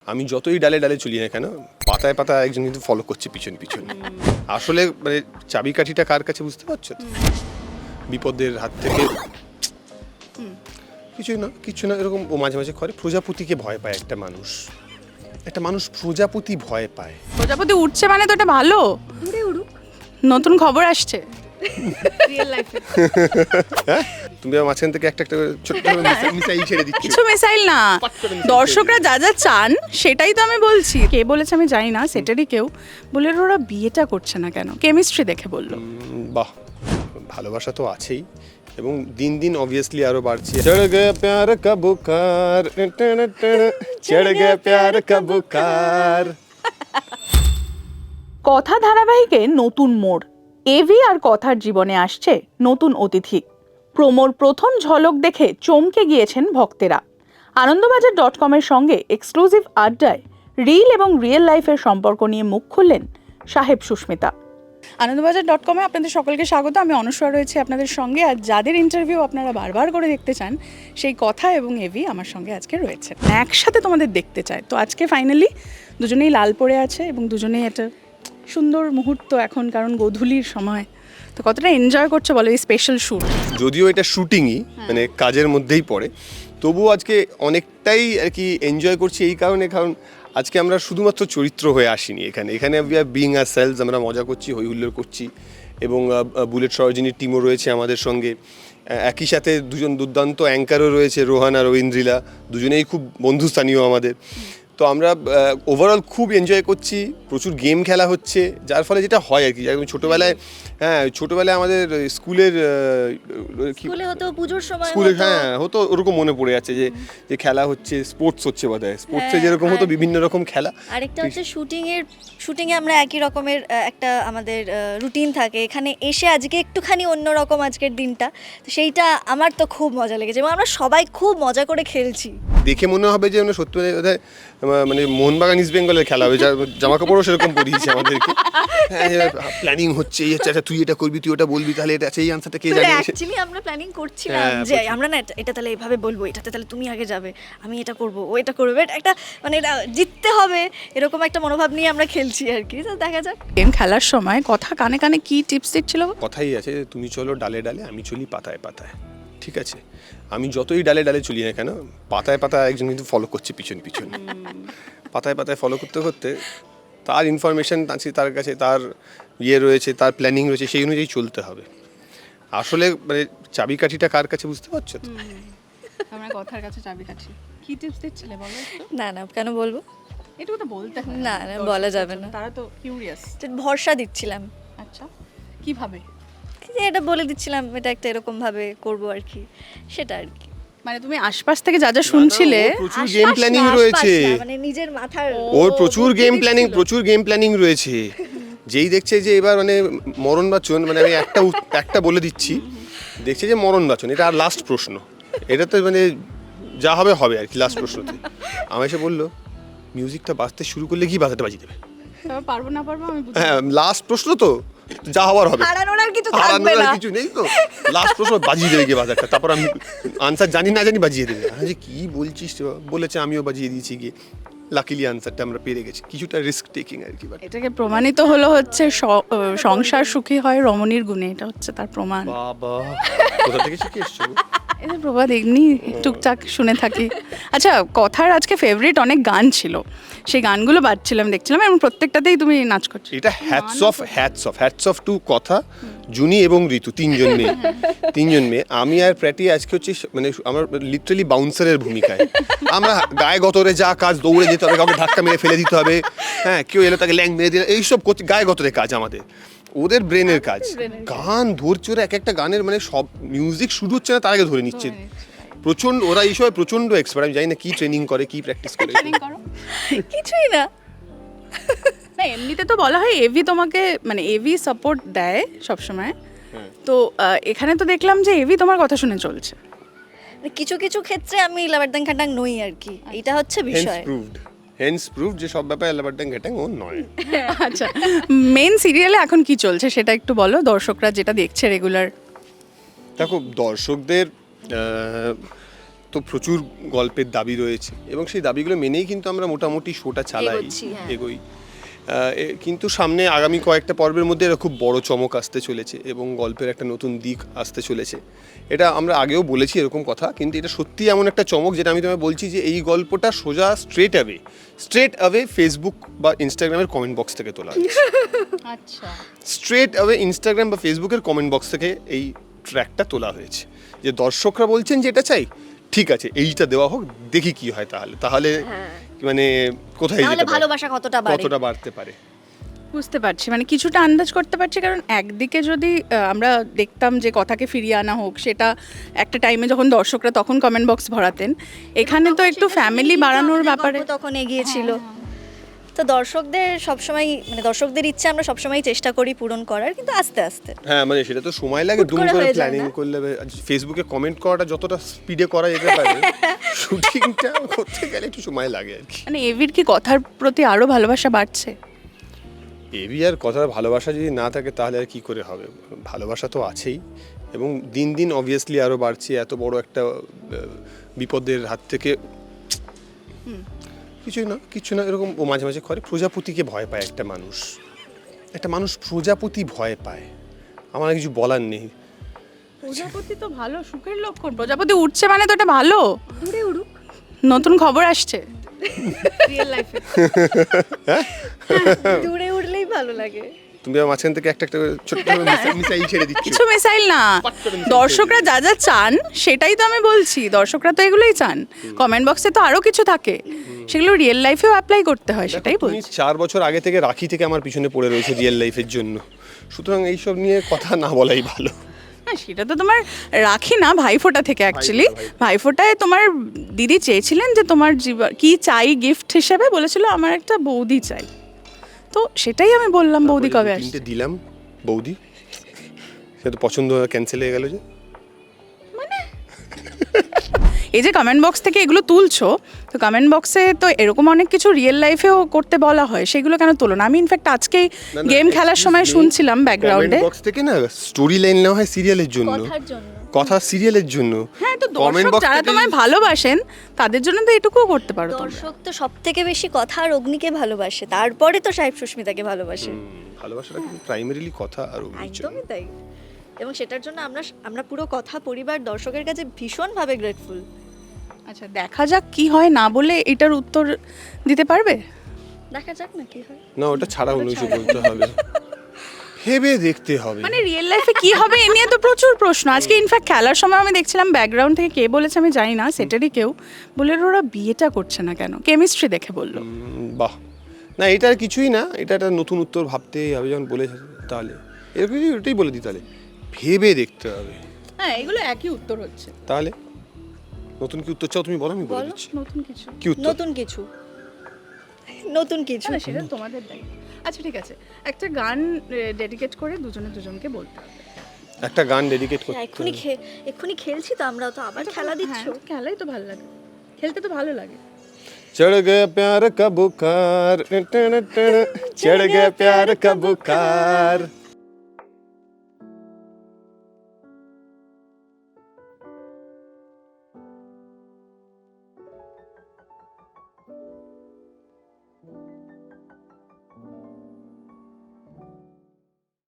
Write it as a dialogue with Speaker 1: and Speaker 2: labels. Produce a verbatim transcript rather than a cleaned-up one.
Speaker 1: আমি যতই ডালে ডালে চলি না কেন পাতায় পাতায় একজন কিন্তু ফলো করছে পিছন পিছন। আসলে মানে চাবিকাঠিটা কার কাছে বুঝতে পারছো তো? বিপদের হাত থেকে কিছুই না কিছু না এরকম ও মাঝে মাঝে করে। প্রজাপতিকে ভয় পায় একটা মানুষ, একটা মানুষ প্রজাপতি ভয় পায়।
Speaker 2: প্রজাপতি উঠছে মানে তো এটা ভালো,
Speaker 3: উড়ে উড়ুক।
Speaker 2: নতুন খবর আসছে
Speaker 3: রিয়েল লাইফে
Speaker 1: হ্যাঁ তুমি আমার মাঝখান থেকে একটা একটা করে ছোট্ট করে মিসাইল- মিসাইল ছেড়ে দিচ্ছ।
Speaker 2: কিছু মিসাইল না,
Speaker 1: পাট করে missile
Speaker 2: দর্শকরা যা যা চান সেটাই তো আমি বলছি। কে বলেছে আমি জানি না, সেটারই কেউ বলে ওরা বিয়েটা করছে না কেন, কেমিস্ট্রি দেখে বললো।
Speaker 1: উম, বাহ, ভালোবাসা তো আছেই এবং দিন দিন অবভিয়াসলি আরো বাড়ছে। চড় গে প্যার কা বুখার, চড় গে প্যার কা বুখার।
Speaker 2: কথা ধারাবাহিকে নতুন মোড়, এভি আর কথার জীবনে আসছে নতুন অতিথি। প্রোমোর প্রথম ঝলক দেখে চমকে গিয়েছেন ভক্তেরা। আনন্দবাজার ডট কমের সঙ্গে এক্সক্লুসিভ আড্ডায় রিল এবং রিয়েল লাইফের সম্পর্ক নিয়ে মুখ খুললেন সাহেব সুস্মিতা। আনন্দবাজার ডট কমে আপনাদের সকলকে স্বাগত। আমি অনুসরা রয়েছি আপনাদের সঙ্গে, আর যাদের ইন্টারভিউ আপনারা বারবার করে দেখতে চান সেই কথা এবং এভি আমার সঙ্গে আজকে রয়েছে, একসাথে তোমাদের দেখতে চায়। তো আজকে ফাইনালি দুজনেই লাল পরে আছে এবং দুজনেই একটা সুন্দর মুহূর্ত এখন, কারণ গোধূলির সময়। তো কতটা এনজয় করছো বলো এই স্পেশাল শ্যুট?
Speaker 1: যদিও এটা শুটিংই মানে কাজের মধ্যেই পড়ে, তবুও আজকে অনেকটাই আর কি এনজয় করছি এই কারণে, কারণ আজকে আমরা শুধুমাত্র চরিত্র হয়ে আসিনি এখানে। এখানে we are being are sales, আমরা মজা করছি, হই হুল্লোড় করছি এবং বুলেট সরোজিনীর টিমও রয়েছে আমাদের সঙ্গে। একই সাথে দুজন দুর্দান্ত অ্যাঙ্কারও রয়েছে, রোহান আর ঐন্দ্রিলা, দুজনেই খুব বন্ধুস্থানীয় আমাদের। তো আমরা ওভারঅল খুব এনজয় করছি, প্রচুর গেম খেলা হচ্ছে, যার ফলে যেটা হয় আর কি, যেমন ছোটোবেলায় হ্যাঁ ছোটোবেলায় আমাদের স্কুলের কি
Speaker 3: স্কুলে হতো পুজোর সময়
Speaker 1: স্কুলে
Speaker 3: হতো।
Speaker 1: হ্যাঁ হতো, ওরকম মনে পড়ে যাচ্ছে যে যে খেলা হচ্ছে, স্পোর্টস হচ্ছে বোধহয়, স্পোর্টসে
Speaker 3: হ্যাঁ,
Speaker 1: যেরকম হতো
Speaker 3: আর-
Speaker 1: বিভিন্ন রকম খেলা।
Speaker 3: আরেকটা হচ্ছে শুটিং এর শুটিং এ আমরা একই রকমের আহ, একটা আমাদের রুটিন থাকে। এখানে এসে আজকে একটুখানি অন্যরকম আজকের দিনটা, তো সেইটা আমার তো খুব মজা লেগেছে এবং আমরা সবাই খুব মজা করে খেলছি।
Speaker 1: দেখে মনে হবে যে আমরা সত্যি বোধহয় মানে মোহনবাগান ইস্ট বেঙ্গলের খেলা হবে, জামা কাপড়ও সেরকম পরিয়েছে আমাদেরকে। হ্যাঁ প্ল্যানিং হচ্ছে, এই হচ্ছে, আচ্ছা তুই এটা করবি, তুই ওটা বলবি, তাহলে এটা সেই আনসারটা কে জানে।
Speaker 3: অ্যাকচুয়ালি আমরা প্ল্যানিং করছিলাম
Speaker 1: হ্যাঁ,
Speaker 3: যে
Speaker 1: প্রচুর।
Speaker 3: আমরা না এটা- এটা তাহলে এভাবে বলবো, এটাতে তাহলে তুমি আগে যাবে, আমি এটা করব, ও এটা করবে, But একটা মানে এটা জিততে হবে এরকম একটা মনোভাব নিয়ে আমরা খেলছি আর কি। তো দেখা যাক।
Speaker 2: গেম খেলার সময় কথা কানে কানে কি টিপস দিচ্ছিল?
Speaker 1: কথাই আছে যে তুমি চলো ডালে ডালে, আমি চলি পাতায় পাতায়। ঠিক আছে, আমি যতই ডালে ডালে চলি না কেন পাতায় পাতায় একজন কিন্তু ফলো করছে পিছন পিছন। পাতায় পাতায় ফলো করতে করতে তার ইনফরমেশন আছে তার কাছে, তার ইয়ে রয়েছে, তার প্ল্যানিং রয়েছে, সেই অনুযায়ী চলতে হবে। আসলে মানে চাবিকাঠিটা কার কাছে বুঝতে পারছো তো?
Speaker 2: আমরা কথার কাছে চাবিকাঠি। কি টিপস দিচ্ছিলে বলো একটু?
Speaker 3: না না কেন বলবো,
Speaker 2: এটুকু তো বলতে হয়।
Speaker 3: না, না, বলা যাবে না।
Speaker 2: তারা তো কিউরিয়াস।
Speaker 3: যে ভরসা দিচ্ছিলাম,
Speaker 2: আচ্ছা, কিভাবে?
Speaker 3: যে এটা বলে দিচ্ছিলাম এটা একটা এরকম ভাবে করবো আর কি, সেটা আর কি।
Speaker 2: মানে তুমি আশপাশ থেকে যা যা শুনছিলে,
Speaker 1: ওর প্রচুর
Speaker 3: আশপাশ
Speaker 1: গেম
Speaker 3: না,
Speaker 1: প্ল্যানিং
Speaker 3: আশপাশ
Speaker 1: রয়েছে,
Speaker 3: না, মানে নিজের মাথার
Speaker 1: ওর প্রচুর
Speaker 2: বুদ্ধি
Speaker 1: গেম প্ল্যানিং
Speaker 2: দিচ্ছিল।
Speaker 1: প্রচুর গেম প্ল্যানিং রয়েছে। যেই দেখছে যে এবার মানে মরণ বাচন, মানে আমি একটা উত- একটা বলে দিচ্ছি, দেখছে যে মরণ বাচন, এটা আর লাস্ট প্রশ্ন, এটা তো মানে যা হবে হবে আর কি লাস্ট প্রশ্নতে। আমায় এসে বললো মিউজিকটা বাজতে শুরু করলে কি বাজাতে বাজিয়ে দেবে।
Speaker 2: তবে পারবো না পারবো আমি বুঝি।
Speaker 1: হ্যাঁ লাস্ট প্রশ্ন তো, যা হওয়ার হবে,
Speaker 3: হারানোর আর কিছু থাকবে
Speaker 1: হারানোর আর
Speaker 3: না।
Speaker 1: কিছু নেই তো, লাস্ট প্রশ্ন বাজিয়ে দেবে গিয়ে বাজারটা, তারপর আমি আনসার জানি না জানি বাজিয়ে দেবে। আমি যে কি বলছিস রে বাবা? বলেছে, আমিও বাজিয়ে দিয়েছি গিয়ে, লাকিলি আনসারটা আমরা পেরে গেছি, কিছুটা রিস্ক টেকিং আর কি। বাট
Speaker 2: এটাকে প্রমাণিত হলো হচ্ছে স- আহ, সংসার সুখী হয় রমণীর গুণে, এটা হচ্ছে তার প্রমাণ।
Speaker 1: বাবা কোথা থেকে শিখে এসছো গো?
Speaker 2: এটা প্রবাদ এমনি টুকটাক শুনে থাকি। আচ্ছা, কথার আজকে ফেভারিট অনেক গান ছিল, সেই গানগুলো বাজছিলাম দেখছিলাম এবং প্রত্যেকটাতেই তুমি নাচ করছো।
Speaker 1: এটা hats off hats off hats off to কথা, জুনি এবং ঋতু, তিনজন মেয়ে, তিনজন মেয়ে। আমি আর প্র্যাটি আজকে হচ্ছে মানে আমার লিটারালি বাউন্সারের ভূমিকায়। আমরা গায়ে গতরে যা কাজ, দৌড়ে যেতে হবে, কাউকে ধাক্কা মেরে ফেলে দিতে হবে, হ্যাঁ কেউ এলো তাকে ল্যাং মেরে দিলে, এইসব করতে গায়ে গতরে কাজ আমাদের। ওদের ব্রেনের কাজ, গান ধরছে ওরা, এক একটা গানের মানে সব মিউজিক শুরু হচ্ছে না তার আগে ধরে নিচ্ছে। প্রচন্ড ওরা এই সময় প্রচন্ড এক্সপার্ট, আমি জানি না কি ট্রেনিং করে, কি প্র্যাকটিস করে।
Speaker 2: ট্রেনিং করো
Speaker 3: কিছুই না।
Speaker 2: না, এমনিতে তো বলা হয় এভি তোমাকে মানে এভি সাপোর্ট দেয় সবসময়। তো আহ, এখানে তো দেখলাম যে এভি তোমার কথা শুনে চলছে।
Speaker 3: মানে কিছু কিছু ক্ষেত্রে আমি লাবারদাং খাটাং নই আর কি, এটা হচ্ছে
Speaker 1: হেন্স
Speaker 3: বিষয়।
Speaker 1: প্রুভড হেন্স প্রুভড যে সব ব্যাপারে লাবারড্যাং ঘ্যাটাং ও নয়।
Speaker 2: আচ্ছা, মেন সিরিয়ালে এখন কি চলছে সেটা একটু বলো, দর্শকরা যেটা দেখছে রেগুলার।
Speaker 1: দেখো দর্শকদের আহ, তো প্রচুর গল্পের দাবি রয়েছে এবং সেই দাবিগুলো মেনেই কিন্তু আমরা মোটামুটি শোটা চালাই,
Speaker 3: এগোচ্ছি, হ্যাঁ।
Speaker 1: এগোই। আহ, এ- কিন্তু সামনে আগামী কয়েকটা পর্বের মধ্যে এরা খুব বড় চমক আসতে চলেছে এবং গল্পের একটা নতুন দিক আসতে চলেছে। এটা আমরা আগেও বলেছি এরকম কথা, কিন্তু এটা সত্যি এমন একটা চমক যেটা আমি তোমায় বলছি যে এই গল্পটা সোজা straight away straight away Facebook বা ইনস্টাগ্রামের কমেন্ট বক্স থেকে তোলা হয়েছে।
Speaker 2: আচ্ছা,
Speaker 1: স্ট্রেট অ্যাওয়ে ইনস্টাগ্রাম বা ফেসবুকের কমেন্ট বক্স থেকে এই ট্র্যাকটা তোলা হয়েছে, যে দর্শকরা বলছেন যে এটা চাই, ঠিক আছে এইটা দেওয়া হোক, দেখি কি হয়। তাহলে তাহলে মানে কোথায়
Speaker 3: তাহলে
Speaker 1: যেতে পারে,
Speaker 3: ভালোবাসা কতটা বাড়ে।
Speaker 1: কতটা বাড়তে পারে।
Speaker 2: বুঝতে পারছি, মানে কিছুটা আন্দাজ করতে পারছি। কারণ একদিকে যদি আহ, আমরা দেখতাম যে কথাকে ফিরিয়ে আনা হোক, সেটা একটা টাইমে যখন দর্শকরা তখন কমেন্ট বক্স ভরাতেন, এখানে তো একটু ফ্যামিলি বাড়ানোর ব্যাপারে
Speaker 3: গল্প তখন এগিয়েছিল। তো দর্শকদের সবসময় মানে দর্শকদের ইচ্ছে আমরা সবসময় চেষ্টা করি পূরণ করার, কিন্তু আস্তে আস্তে
Speaker 1: হ্যাঁ মানে সেটা তো সময় লাগে,
Speaker 3: হুট
Speaker 1: দুম
Speaker 3: করে
Speaker 1: করে
Speaker 3: হয়ে যায়
Speaker 1: প্ল্যানিং
Speaker 3: না?
Speaker 1: করলে। ফেসবুকে কমেন্ট করাটা যতটা স্পিডে করা যেতে পারে শুটিংটা করতে গেলে একটু সময় লাগে আর কি।
Speaker 2: মানে এভির কি কথার প্রতি আরো ভালোবাসা বাড়ছে?
Speaker 1: এবি আর কথার ভালোবাসা যদি না থাকে তাহলে আর কি করে হবে? ভালোবাসা তো আছেই এবং দিন দিন অবভিয়াসলি আরও বাড়ছে। এত বড় একটা আহ, বিপদের হাত থেকে কিছুই না কিছু না এরকম ও মাঝে মাঝে করে প্রজাপতিকে ভয় পায় একটা মানুষ। একটা মানুষ প্রজাপতি ভয় পায়, আমার আর কিছু বলার নেই।
Speaker 2: প্রজাপতি তো ভালো সুখের লক্ষণ, প্রজাপতি উঠছে মানে তো এটা ভালো।
Speaker 3: দূরে উড়ুক।
Speaker 2: নতুন খবর আসছে রিয়েল লাইফে।
Speaker 3: দূরে উড়লেই ভালো লাগে।
Speaker 1: তুমি আমার মাঝখান থেকে একটা একটা করে ছোট্ট করে মিসাইল- মিসাইল ছেড়ে দিচ্ছ।
Speaker 2: কিছু মিসাইল না,
Speaker 1: পাট করে missile
Speaker 2: দর্শকরা যা যা চান সেটাই তো আমি বলছি। দর্শকরা তো এগুলোই চান, কমেন্ট বক্সে তো আরো কিছু থাকে, সেগুলো রিয়েল লাইফেও অ্যাপ্লাই করতে হয়, সেটাই
Speaker 1: তুমি
Speaker 2: বলছি।
Speaker 1: চার বছর আগে থেকে রাখি থেকে আমার পিছনে পড়ে রয়েছে রিয়েল লাইফের জন্য, সুতরাং এইসব নিয়ে কথা না বলাই ভালো।
Speaker 2: হ্যাঁ, সেটা তো তোমার রাখি না, ভাইফোঁটা থেকে অ্যাকচুয়ালি।
Speaker 1: ভাইফোঁটা,
Speaker 2: ভাইফোঁটায় তোমার দিদি চেয়েছিলেন যে তোমার জীবন কি চাই গিফট হিসেবে, বলেছিল আমার একটা বৌদি চাই, তো সেটাই আমি বললাম বৌদি
Speaker 1: তারপরে
Speaker 2: কবে
Speaker 1: দু
Speaker 2: আসছে।
Speaker 1: তিনটে দিলাম বৌদি, সে তো পছন্দ ক্যান্সেল হয়ে গেল যে।
Speaker 2: এই যে কমেন্ট বক্স থেকে এগুলো তুলছো, তো কমেন্ট বক্সে তো এরকম অনেক কিছু রিয়েল লাইফেও করতে বলা হয়, সেগুলো কেন তোলো না? আমি ইনফ্যাক্ট আজকেই
Speaker 1: না, না,
Speaker 2: গেম খেলার
Speaker 1: excuse
Speaker 2: সময়
Speaker 1: me,
Speaker 2: শুনছিলাম ব্যাকগ্রাউন্ডে।
Speaker 1: কমেন্ট বক্স থেকে না স্টোরি লাইন নেওয়া হয় সিরিয়ালের জন্য,
Speaker 3: কথার জন্য।
Speaker 1: কথা সিরিয়ালের জন্য।
Speaker 2: হ্যাঁ, তো
Speaker 1: Comment
Speaker 2: দর্শক
Speaker 1: box
Speaker 2: যারা
Speaker 1: থেকে-
Speaker 2: তোমায় ভালোবাসেন তাদের জন্য তো এটুকুও করতে পারো তোমরা।
Speaker 3: দর্শক তো সব থেকে বেশি কথা আর অগ্নিকে ভালোবাসে, তারপরে তো সাহেব সুস্মিতাকে ভালোবাসে।
Speaker 1: হুম, ভালোবাসাটা কিন্তু প্রাইমারিলি কথা আর অভিনয়।
Speaker 3: একদমই তাই। এবং সেটার জন্য আমরা আমরা পুরো কথা পরিবার দর্শকের কাছে ভীষণভাবে গ্রেটফুল।
Speaker 2: আচ্ছা, দেখা যাক কি হয়, না বলে এটার উত্তর দিতে পারবে?
Speaker 3: দেখা যাক না কি হয়।
Speaker 1: না ওটা ছাড়া অন্য কিছু বলতে হবে, ভেবে দেখতে হবে।
Speaker 2: মানে রিয়েল লাইফে কি হবে এ নিয়ে তো প্রচুর প্রশ্ন। আজকে ইনফ্যাক্ট খেলার সময় আমি দেখছিলাম ব্যাকগ্রাউন্ড থেকে কে বলেছে আমি জানি না, সেটারই কেউ বলে ওরা বিয়েটা করছে না কেন, কেমিস্ট্রি দেখে বললো।
Speaker 1: উম, বাহ, না এটা আর কিছুই না, এটা একটা নতুন উত্তর ভাবতেই হবে যখন বলেছে, তাহলে এরকম ওটাই বলে দিই, তাহলে ভেবে দেখতে হবে।
Speaker 2: হ্যাঁ, এগুলো একই উত্তর হচ্ছে।
Speaker 1: তাহলে নতুন কি উত্তর চাও তুমি বলো, আমি বলে
Speaker 3: বলো।
Speaker 1: দিচ্ছি
Speaker 2: নতুন কিছু
Speaker 1: কি উত্তর।
Speaker 3: নতুন কিছু নতুন কিছু
Speaker 2: না, সেটা তোমাদের দায়িত্ব। আচ্ছা ঠিক আছে, একটা গান ডেডিকেট করে দুজনে দুজনকে বলতে হবে।
Speaker 1: একটা গান ডেডিকেট করতে
Speaker 3: এক্ষুনি
Speaker 1: হবে।
Speaker 3: খে- এক্ষুনি খেলছি তো আমরা, তো আবার খেলা দিচ্ছ।
Speaker 2: হ্যাঁ, খেলাই তো ভালো লাগে, খেলতে তো ভালো লাগে।
Speaker 1: चढ़ गया प्यार का बुखार चढ़ गया प्यार का बुखार